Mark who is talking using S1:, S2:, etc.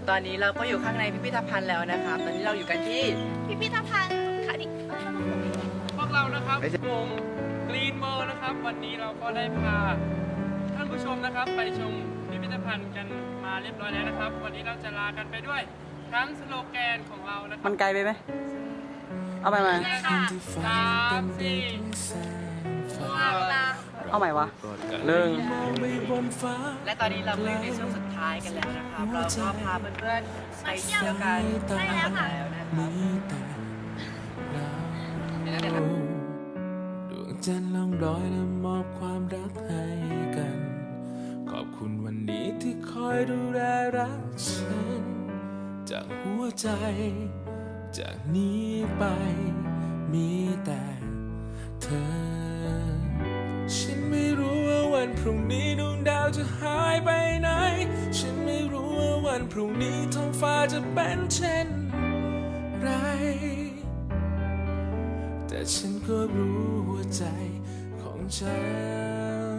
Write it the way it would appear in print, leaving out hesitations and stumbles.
S1: ตอนนี้เราก็อยู่ข้างในพิพิธภัณฑ์แล้วนะครับตอนนี้เราอยู่กันที่
S2: พิพิธภัณฑ์ค่ะดิ
S3: พวกเรานะครับวงกรีนเมอร์นะครับวันนี้เราก็ได้พาท่านผู้ชมนะครับไปชมพิพิธภัณฑ์กันมาเรียบร้อยแล้วนะครับวันนี้เราจะลากันไปด้วยทั้งสโลแกนของเรานะครับ
S1: มันไกลไปไหมเอาใหม่มา เอาใหม่วะหนึ่งและตอนนี้เราก็อยู่ในช่วงสุดท้ายกันแล้วนะครับเราก็พาเพื่อนๆไปเที่ยวกันแล้วนะครับเดี๋ยวนะ
S4: ดวงจันทร์ล่องลอยและมอบความรักให้กัน ขอบคุณวันนี้ที่คอยดูแลรักฉัน จากหัวใจ จากนี้ไปมีแต่เธอ ฉันไม่รู้ว่าวันพรุ่งนี้ดวงดาวจะหายไปไหน ฉันไม่รู้ว่าวันพรุ่งนี้ท้องฟ้าจะเป็นเช่นไร แต่ฉันก็รู้หัวใจของฉัน